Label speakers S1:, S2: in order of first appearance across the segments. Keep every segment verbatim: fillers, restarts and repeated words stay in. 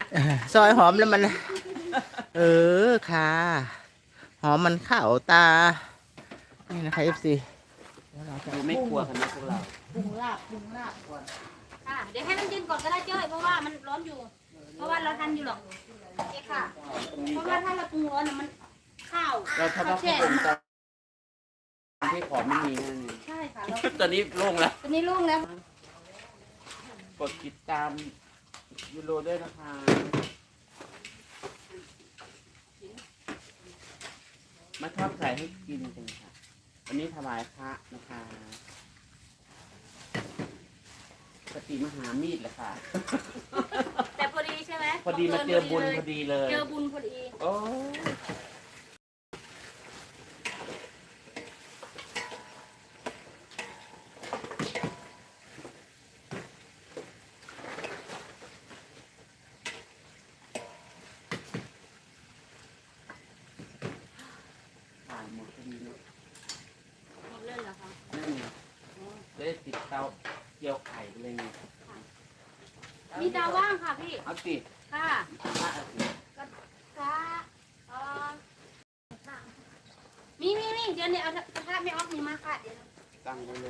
S1: ซอยหอมแล้วมัน เออค่ะหอมมันเข้าตานี่นะคะเอฟซี
S2: ดูไม่กลัวกันนะพวกเรา
S3: ปรุงลาบปรุงลาบก่อน
S4: ค่ะเดี๋ยวให้มันเย็นก่อนก็ได้เจ้ยเพราะว่ามันร้อนอยู่ เพราะว่าเราทันอยู่หรอกเอ๊ะค่ะ เพราะว่าถ้าเราปรุงร้อนน่ะมันข้าว
S2: เราทำว่า
S4: แช่
S2: ผมตอนที่ของไม่มีนั่นเอง
S4: ใช่ค่ะเรา
S2: ตอนนี้โล่งแล้ว
S4: ตอนนี้โล่งแล้ว
S2: กดติดตามยูโรด้วยนะคะมาทอดไข่ให้กินกันค่ะวันนี้ถวายพระนะคะปฏิมหามีดแหละค่ะ
S4: แต่พอดีใช่ไหม
S2: พอดีมาเจอบุญพอดีเลย
S4: เจอบุญพอดี
S2: โอ้ผ่านหมดพอดีเนอะ
S4: หมดเลยเหรอคะ
S2: นั่นไงได้ติดเตาเกี่ยวไข่ไปเลยไง
S4: มีตาว่างค่ะพี่
S2: เอาสิ
S4: ค่ะ
S2: พระเอาสิ
S4: ก็ค่ะเอ่อมีมีมีเดี๋ยวนี้เอากระทะไม่ออกมีมาค่ะเดี๋ยว
S2: ตั้งไว้เลย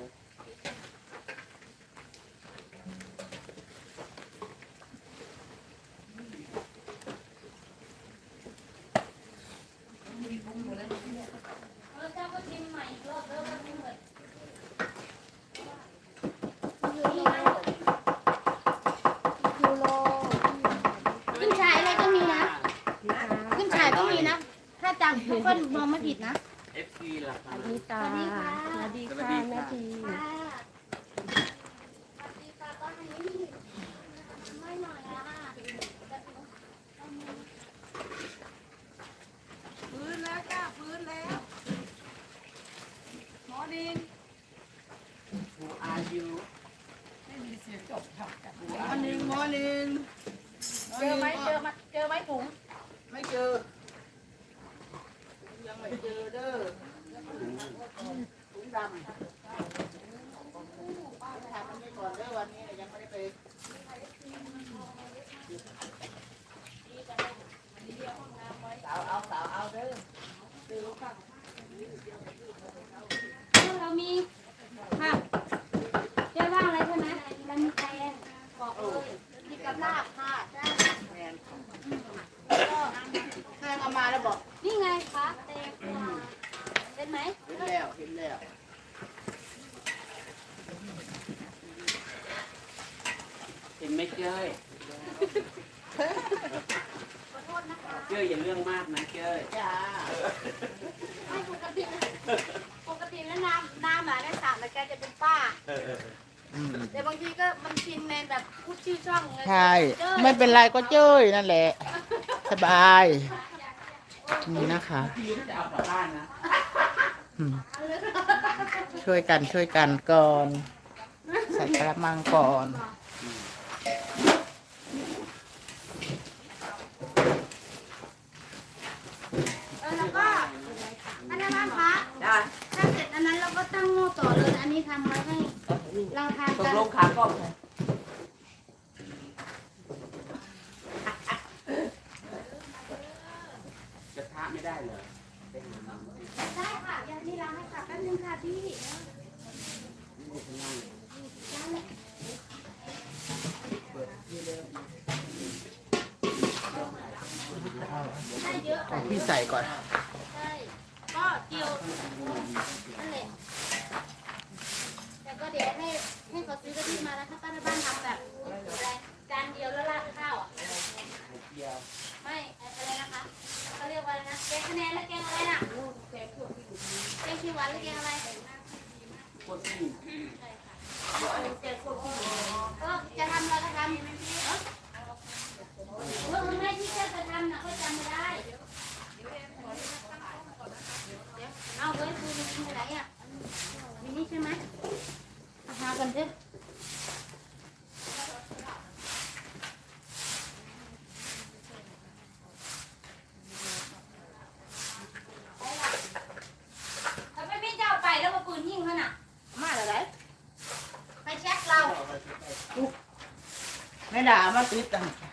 S4: เราจะก็ชิมใหม่อีกรอบแล้วก็ชิมเลยขึ้นฉายอะไรก็มีนะขึ้นฉายก็มีนะ ถ้าจำทุกคนมองไม่ผิดนะ
S2: เอฟซีล่ะค่ะ
S3: นี่ตา
S4: สวัสดีค่ะ
S3: สวัสดี
S2: สวัส
S3: ค่ะ
S2: ดี
S3: แม่
S2: ค่ะ
S3: ที
S4: ค่ะสวัสดีค่ะตอนนี้ไม่หน่อยอ่ะ
S3: ฟื้นแล้วจ้าฟื้นแล้วหมอดิน
S2: Who are you
S3: ไม่มีเสียงจบค่ะกันหมอนิงหมอนิง
S4: เจอไหมเจอมาเจอไหมถุง
S3: ไม่เจอยังไม่เจอเด้อถุงดำป้าไปถามมันไปก่อนเด้อวันนี้ยังไม่ได้ไปสาวเอาสาวเอาเด้อ
S4: เรามีค่ะเจอบ้างอะไรใช่ไหมเรามีแตงบอกเลยมีกับลาบค่ะได้
S3: แมนแซงเอามาแล้วบอก
S4: นี่ไงคะแตงกวาเป็นไหม
S3: เห็นแล้วเห็นแล้ว
S2: เห็นไหมเจ้ย
S4: ขอโทษนะคะ
S2: เจ้ยอย่าเรื่องมากนะเจ้ย
S3: จ้า
S4: ไม่ปกติปกติแล้วน้ำน้ำอ่ะได้สามแต่แกจะเป็นป้า
S1: อืม
S4: แต่บางทีก็มันชินในแบบพูดชื่อช่องไง
S1: ใช่
S4: เจ้ย
S1: ไม่เป็นไรก็เจ้ยนั่นแหละ สบายนี่นะคะ
S2: พี่จะเอากลับบ้านนะ
S1: อืมช่วยกันช่วยกันก่อน ใส่กระมังก่อน
S4: เออแล้วก็อันนั้นบ้างคะ
S3: จ้า
S4: ถ้าเสร็จอันนั้นเราก็ตั้งหม้อต่อเลยอันนี้ทำไว้ให้เราทาน
S2: ตก
S4: กัน
S2: ลงขากล้องเลยกระทะไม่ได้เลยไปหามาไม่ได้
S4: ได้ค่ะอย่างที่เราให้ค่ะแป๊บนึงค่ะพี่
S2: ข้างล่างเลย
S4: ได้เลย
S2: เปิดที่เร็ว
S4: ได้เยอะ
S1: ขอ
S4: ค่ะ
S1: งพี่ใส่ก่อน
S4: ใช่ก็เกี่ยวนั่นแหละแต่ก็เดี๋ยวให้ให้เขาซื้อกะทิมาแล้วถ้าป้าที่บ้านทำแบบอะไรจานเดียวแล้วราดข้าวอ่ะ
S2: ไข่เจียว
S4: ไม่อะไรนะคะเขาเรียกว่าอะไรนะแกงคะแนนและแกงอะไรน่ะแกงเขียวหวานหรือแกงอะไร
S2: โคตรซิ่ง
S4: ใช่ค่ะก็จะทำอะไรก็ทำเนาะเมื่อไม่ที่จะทำน่ะก็จำไม่ได้เอาไว้ดูมีที่ไหนอ่ะมีนี่ใช่ไหมหากันเถอะทำไมไม่เจ้าไปแล้วมาปืนยิงเขาน่ะ
S3: มาอะไร
S4: ไปเช็คเรา
S3: ไม่ด่ามาติดตัง